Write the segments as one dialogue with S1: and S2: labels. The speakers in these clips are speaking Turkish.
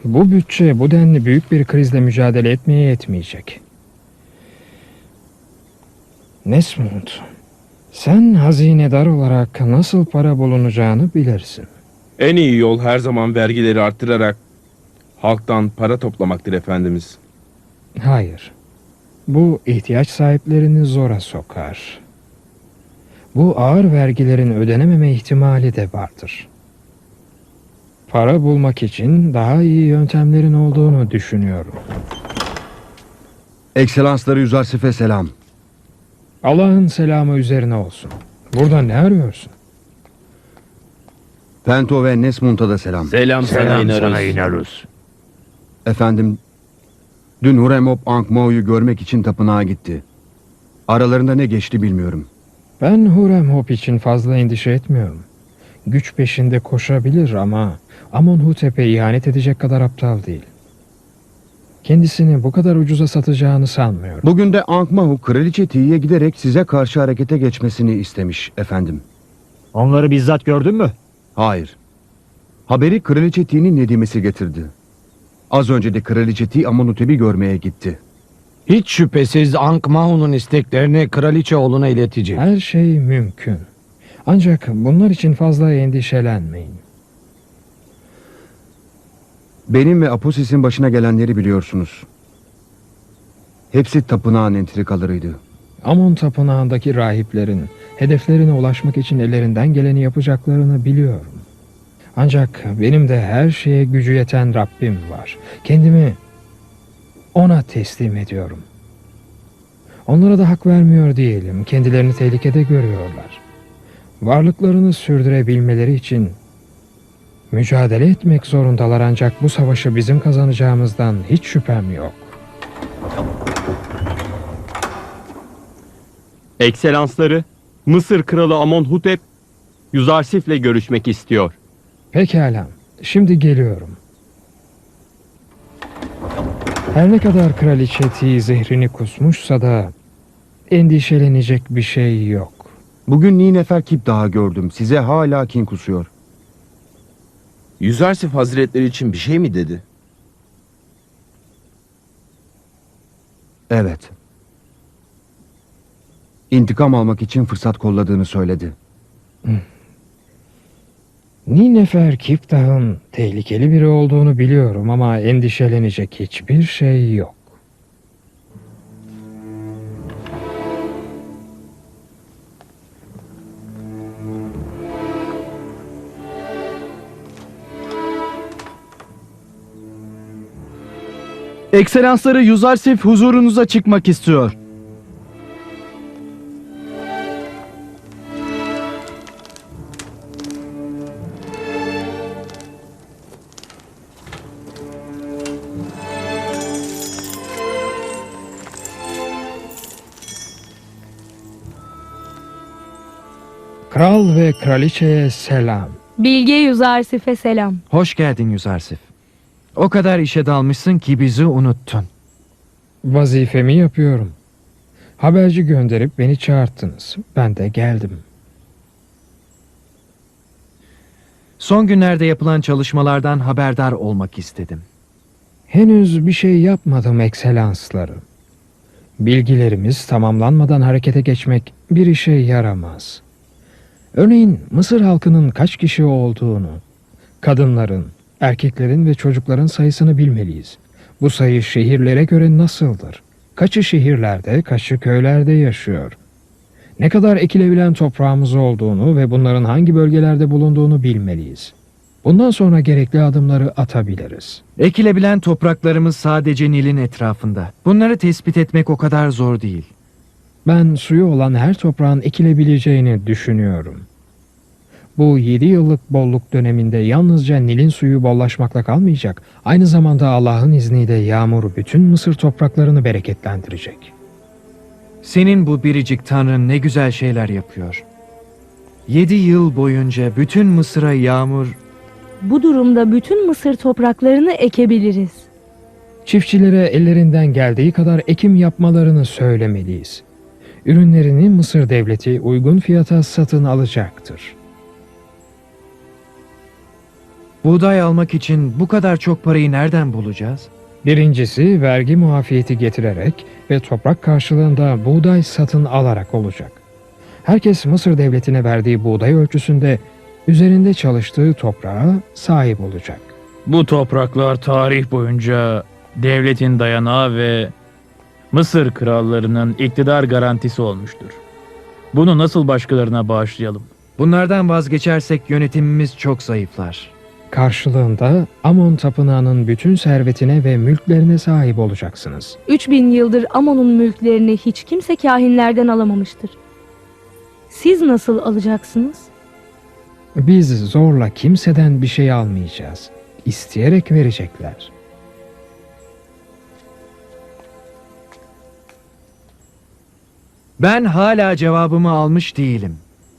S1: Bu bütçe bu denli büyük bir krizle mücadele etmeye yetmeyecek. Nesmut, sen hazinedar olarak nasıl para bulunacağını bilirsin.
S2: En iyi yol her zaman vergileri arttırarak halktan para toplamaktır efendimiz.
S1: Hayır, bu ihtiyaç sahiplerini zora sokar. Bu ağır vergilerin ödenememe ihtimali de vardır. Para bulmak için daha iyi yöntemlerin olduğunu düşünüyorum.
S3: Ekselansları Yüzarsif'e selam.
S1: Allah'ın selamı üzerine olsun. Burada ne arıyorsun?
S3: Pento ve Nesmunt'a da selam.
S2: Selam sana
S4: inarız.
S3: Efendim, dün Huremhop Ankh-Mor'u görmek için tapınağa gitti. Aralarında ne geçti bilmiyorum.
S1: Ben Huremhop için fazla endişe etmiyorum. Güç peşinde koşabilir ama Amonhotep'e ihanet edecek kadar aptal değil. Kendisini bu kadar ucuza satacağını sanmıyorum.
S3: Bugün de Ankh-Mor'u Kraliçe Tii'ye giderek size karşı harekete geçmesini istemiş efendim.
S4: Onları bizzat gördün mü?
S3: Hayır. Haberi Kraliçe Tii'nin nedimesi getirdi. Az önce de Kraliçe Tii Amonhotep'i görmeye gitti.
S5: Hiç şüphesiz Ankh-Mahon'un isteklerini kraliçe oğluna iletecek.
S1: Her şey mümkün. Ancak bunlar için fazla endişelenmeyin.
S3: Benim ve Aposis'in başına gelenleri biliyorsunuz. Hepsi tapınağın entrikalarıydı.
S1: Amon tapınağındaki rahiplerin hedeflerine ulaşmak için ellerinden geleni yapacaklarını biliyorum. Ancak benim de her şeye gücü yeten Rabbim var. Kendimi ona teslim ediyorum. Onlara da hak vermiyor değilim. Kendilerini tehlikede görüyorlar. Varlıklarını sürdürebilmeleri için mücadele etmek zorundalar, ancak bu savaşı bizim kazanacağımızdan hiç şüphem yok.
S6: Ekselansları, Mısır Kralı Amonhotep, Yüzarsif'le görüşmek istiyor.
S1: Pekala, şimdi geliyorum. Her ne kadar Kraliçe Tii zehrini kusmuşsa da endişelenecek bir şey yok.
S3: Bugün Nineferkip daha gördüm. Size hala kin kusuyor.
S2: Yüzarsif Hazretleri için bir şey mi dedi?
S3: Evet. İntikam almak için fırsat kolladığını söyledi.
S1: Nineferkip Dağ'ın tehlikeli biri olduğunu biliyorum ama endişelenecek hiçbir şey yok.
S5: Ekselansları Yüzarsif huzurunuza çıkmak istiyor.
S1: Kral ve kraliçeye selam.
S7: Bilge Yüzarsif'e selam.
S8: Hoş geldin Yüzarsif. O kadar işe dalmışsın ki bizi unuttun.
S1: Vazifemi yapıyorum. Haberci gönderip beni çağırttınız. Ben de geldim.
S8: Son günlerde yapılan çalışmalardan haberdar olmak istedim.
S1: Henüz bir şey yapmadım ekselansları. Bilgilerimiz tamamlanmadan harekete geçmek bir işe yaramaz. Örneğin Mısır halkının kaç kişi olduğunu, kadınların, erkeklerin ve çocukların sayısını bilmeliyiz. Bu sayı şehirlere göre nasıldır? Kaçı şehirlerde, kaçı köylerde yaşıyor? Ne kadar ekilebilen toprağımız olduğunu ve bunların hangi bölgelerde bulunduğunu bilmeliyiz. Bundan sonra gerekli adımları atabiliriz.
S8: Ekilebilen topraklarımız sadece Nil'in etrafında. Bunları tespit etmek o kadar zor değil.
S1: Ben suyu olan her toprağın ekilebileceğini düşünüyorum. Bu 7 yıllık bolluk döneminde yalnızca Nil'in suyu bollaşmakla kalmayacak, aynı zamanda Allah'ın izniyle yağmur bütün Mısır topraklarını bereketlendirecek.
S8: Senin bu biricik Tanrın ne güzel şeyler yapıyor. 7 yıl boyunca bütün Mısır'a yağmur...
S7: Bu durumda bütün Mısır topraklarını ekebiliriz.
S1: Çiftçilere ellerinden geldiği kadar ekim yapmalarını söylemeliyiz. Ürünlerini Mısır devleti uygun fiyata satın alacaktır.
S8: Buğday almak için bu kadar çok parayı nereden bulacağız?
S1: Birincisi vergi muafiyeti getirerek ve toprak karşılığında buğday satın alarak olacak. Herkes Mısır devletine verdiği buğday ölçüsünde üzerinde çalıştığı toprağa sahip olacak.
S9: Bu topraklar tarih boyunca devletin dayanağı ve Mısır krallarının iktidar garantisi olmuştur. Bunu nasıl başkalarına bağışlayalım?
S8: Bunlardan vazgeçersek yönetimimiz çok zayıflar.
S1: Karşılığında Amon tapınağının bütün servetine ve mülklerine sahip olacaksınız.
S7: 3000 yıldır Amon'un mülklerini hiç kimse kahinlerden alamamıştır. Siz nasıl alacaksınız?
S1: Biz zorla kimseden bir şey almayacağız. İsteyerek verecekler.
S8: Ben hala cevabımı almış değilim.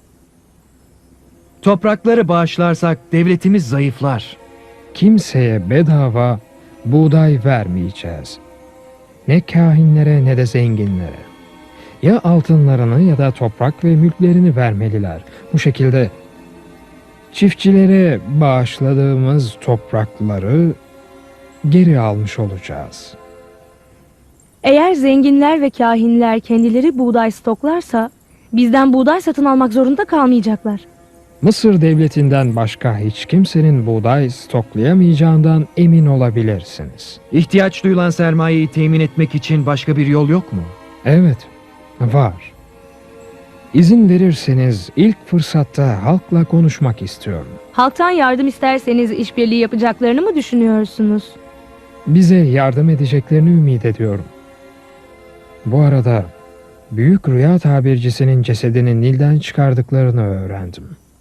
S8: Toprakları bağışlarsak devletimiz zayıflar.
S1: Kimseye bedava buğday vermeyeceğiz. Ne kahinlere ne de zenginlere. Ya altınlarını ya da toprak ve mülklerini vermeliler. Bu şekilde çiftçilere bağışladığımız toprakları geri almış olacağız.
S7: Eğer zenginler ve kahinler kendileri buğday stoklarsa bizden buğday satın almak zorunda kalmayacaklar.
S1: Mısır devletinden başka hiç kimsenin buğday stoklayamayacağından emin olabilirsiniz.
S8: İhtiyaç duyulan sermayeyi temin etmek için başka bir yol yok mu?
S1: Evet, var. İzin verirseniz ilk fırsatta halkla konuşmak istiyorum.
S7: Halktan yardım isterseniz işbirliği yapacaklarını mı düşünüyorsunuz?
S1: Bize yardım edeceklerini ümit ediyorum. Bu arada büyük rüya tabircisinin cesedini Nil'den çıkardıklarını öğrendim.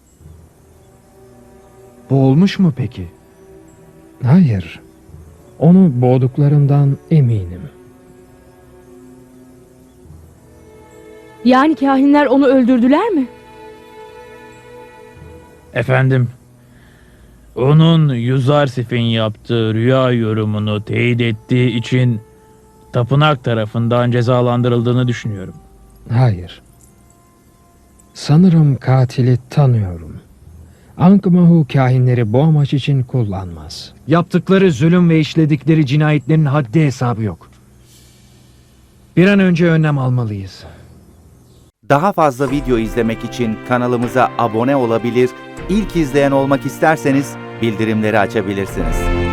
S8: Boğulmuş mu peki?
S1: Hayır, onu boğduklarından eminim.
S7: Yani kahinler onu öldürdüler mi?
S9: Efendim, onun Yuzarsif'in yaptığı rüya yorumunu teyit ettiği için tapınak tarafından cezalandırıldığını düşünüyorum.
S1: Hayır. Sanırım katili tanıyorum. Ankh-Mahu kahinleri bu amaç için kullanmaz.
S8: Yaptıkları zulüm ve işledikleri cinayetlerin haddi hesabı yok. Bir an önce önlem almalıyız.
S10: Daha fazla video izlemek için kanalımıza abone olabilir, ilk izleyen olmak isterseniz bildirimleri açabilirsiniz.